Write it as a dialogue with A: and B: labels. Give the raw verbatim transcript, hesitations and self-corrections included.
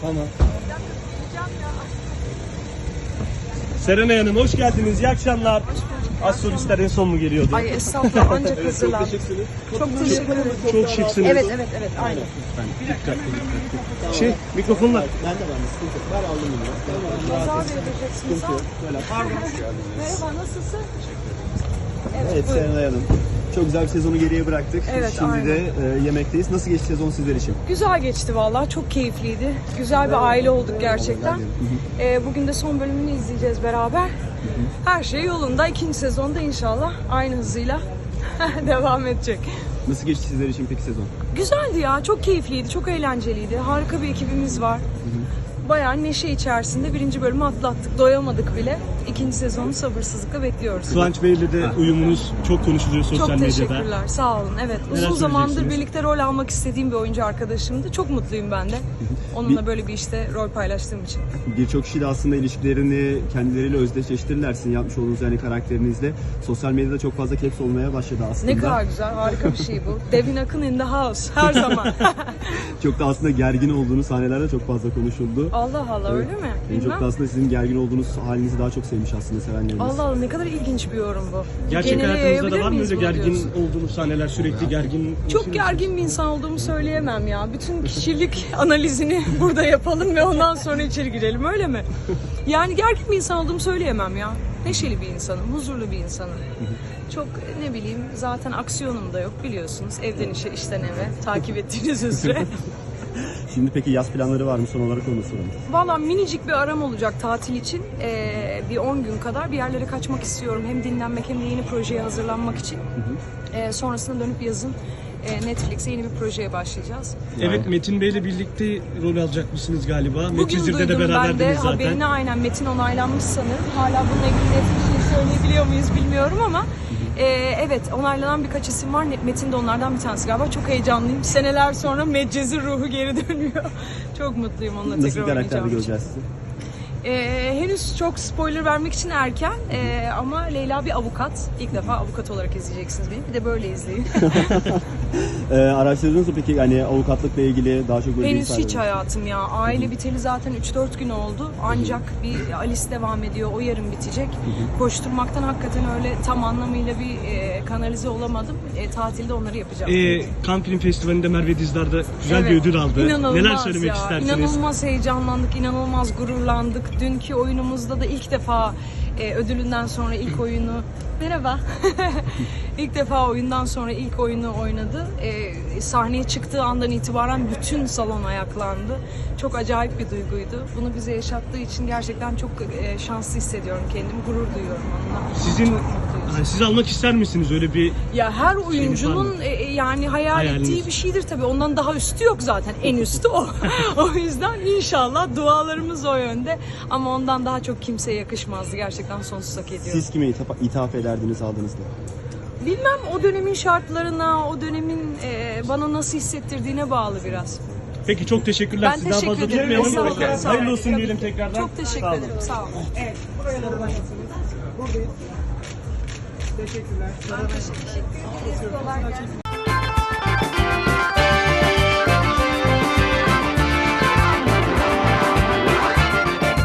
A: Tamam. Serenay Hanım hoş geldiniz. İyi akşamlar. Az solistler en son mu geliyordu?
B: Ay estağfurullah ancak
A: Çok
B: hazırlan.
A: teşekkürsünüz.
B: Çok teşekkür ederim.
A: Çok şıksınız.
B: Evet evet evet aynen.
A: Lütfen dikkatli dikkatli. Şey mikrofonlar.
C: Ben de ben de sıkıntı yok. Ben aldım bunu. Ben
B: Kaza vereceksiniz ha.
C: Böyle.
B: Merhaba nasılsın?
C: Evet Serenay Hanım. Çok güzel bir sezonu geriye bıraktık.
B: Evet,
C: Şimdi
B: aynen.
C: de e, yemekteyiz. Nasıl geçti sezon sizler için?
B: Güzel geçti vallahi çok keyifliydi. Güzel bir aile olduk gerçekten. Ee, bugün de son bölümünü izleyeceğiz beraber. Her şey yolunda. İkinci sezonda inşallah aynı hızıyla devam edecek.
C: Nasıl geçti sizler için peki sezon?
B: Güzeldi ya, çok keyifliydi, çok eğlenceliydi. Harika bir ekibimiz var. Bayağı neşe içerisinde birinci bölümü atlattık. Doyamadık bile. İkinci sezonu sabırsızlıkla bekliyoruz.
A: Kıvanç Bey'le de uyumunuz çok konuşuluyor sosyal
B: Çok
A: medyada.
B: teşekkürler, sağ olun. Evet, uzun zamandır
A: söyleyeceksiniz?
B: birlikte rol almak istediğim bir oyuncu arkadaşımdı. Çok mutluyum ben de. Onunla böyle bir işte rol paylaştığım için.
C: Birçok kişi de aslında ilişkilerini kendileriyle özdeşleştirirler sizin yapmış olduğunuz yani karakterinizle. Sosyal medyada çok fazla caps olmaya başladı aslında.
B: Ne kadar güzel, harika bir şey bu. Devin Akın in the house, her zaman.
C: Çok da aslında gergin olduğunuz sahnelerde çok fazla konuşuldu.
B: Allah Allah, öyle mi?
C: En çok
B: Bilmem.
C: da aslında sizin gergin olduğunuz halinizi daha çok sevmiş aslında sevenleriniz.
B: Allah Allah, ne kadar ilginç bir yorum bu.
A: Gerçek
B: Genele
A: hayatınızda da
B: yayabilir
A: var mı
B: miyiz
A: öyle
B: bunu
A: gergin
B: diyorsun?
A: olduğunuz sahneler, sürekli gergin?
B: Çok gergin bir insan olduğumu söyleyemem ya. Bütün kişilik analizini burada yapalım ve ondan sonra içeri girelim, öyle mi? Yani gergin bir insan olduğumu söyleyemem ya. Neşeli bir insanım, huzurlu bir insanım. Çok ne bileyim, zaten aksiyonum da yok biliyorsunuz. Evden işe, işten eve, takip ettiğiniz üzere.
C: Şimdi peki yaz planları var mı? Son olarak onu soralım.
B: Valla minicik bir aram olacak tatil için. Ee, bir on gün kadar bir yerlere kaçmak istiyorum. Hem dinlenmek hem de yeni projeye hazırlanmak için. Ee, sonrasında dönüp yazın e, Netflix'e yeni bir projeye başlayacağız.
A: Evet, Metin Bey'le birlikte rol alacakmışsınız galiba.
B: Bugün
A: Metizir'de de
B: duydum ben de
A: beraberdiniz zaten.
B: haberini, aynen Metin onaylanmış sanırım. Hala bununla ilgili net bir şey söyleyebiliyor muyuz bilmiyorum ama e, evet onaylanan birkaç isim var. Metin de onlardan bir tanesi galiba. Çok heyecanlıyım. Seneler sonra Medcezir ruhu geri dönüyor. Çok mutluyum onunla
C: Nasıl bir
B: tekrar
C: karakterde
B: oynayacağım için.
C: göreceğiz sizi?
B: Ee, henüz çok spoiler vermek için erken ee, ama Leyla bir avukat. İlk defa avukat olarak izleyeceksiniz beni. Bir de böyle izleyin.
C: Ee, araştırdınız mı peki yani avukatlıkla ilgili daha çok böyle
B: Henüz
C: bilgiler
B: hiç
C: var mı?
B: hayatım ya. Aile biteli zaten üç dört gün oldu. Ancak bir Alice devam ediyor. O yarın bitecek. Koşturmaktan hakikaten öyle tam anlamıyla bir e, kanalize olamadım. E, tatilde onları yapacağım.
A: Ee, Cannes Film Festivali'nde Merve Dizdar'da güzel bir
B: Evet.
A: ödül aldı.
B: İnanılmaz
A: Neler söylemek
B: ya.
A: istersiniz?
B: İnanılmaz heyecanlandık, inanılmaz gururlandık. Dünkü oyunumuzda da ilk defa e, ödülünden sonra ilk oyunu... Merhaba. İlk defa oyundan sonra ilk oyunu oynadı. E, sahneye çıktığı andan itibaren bütün salon ayaklandı. Çok acayip bir duyguydu. Bunu bize yaşattığı için gerçekten çok e, şanslı hissediyorum kendimi. Gurur duyuyorum onunla.
A: Sizin,
B: Çok mutluyuz.
A: ha, siz almak ister misiniz öyle bir...
B: Ya her
A: var
B: oyuncunun
A: mı?
B: e, e, yani hayal
A: Hayaliniz.
B: ettiği bir şeydir tabii. Ondan daha üstü yok zaten. En üstü o. O yüzden inşallah dualarımız o yönde. Ama ondan daha çok kimseye yakışmazdı. Gerçekten sonsuz hak ediyor.
C: Siz kime ithaf, ithaf ederdiniz aldığınızda?
B: Bilmem, o dönemin şartlarına, o dönemin e, bana nasıl hissettirdiğine bağlı biraz.
A: Peki çok teşekkürler.
B: Ben
A: Sizi daha
B: teşekkür
A: fazla
B: ederim.
A: tutmayalım.
B: Estağfurullah, sağ olun.
A: Hayırlı olsun diyelim tekrardan.
B: Çok teşekkür
A: Sağ olun.
B: ederim. Sağ olun.
D: Evet, buraya doğru başlasınız. Buradayız. Teşekkürler.
B: Ben teşekkür ederim. Kolay gelsin.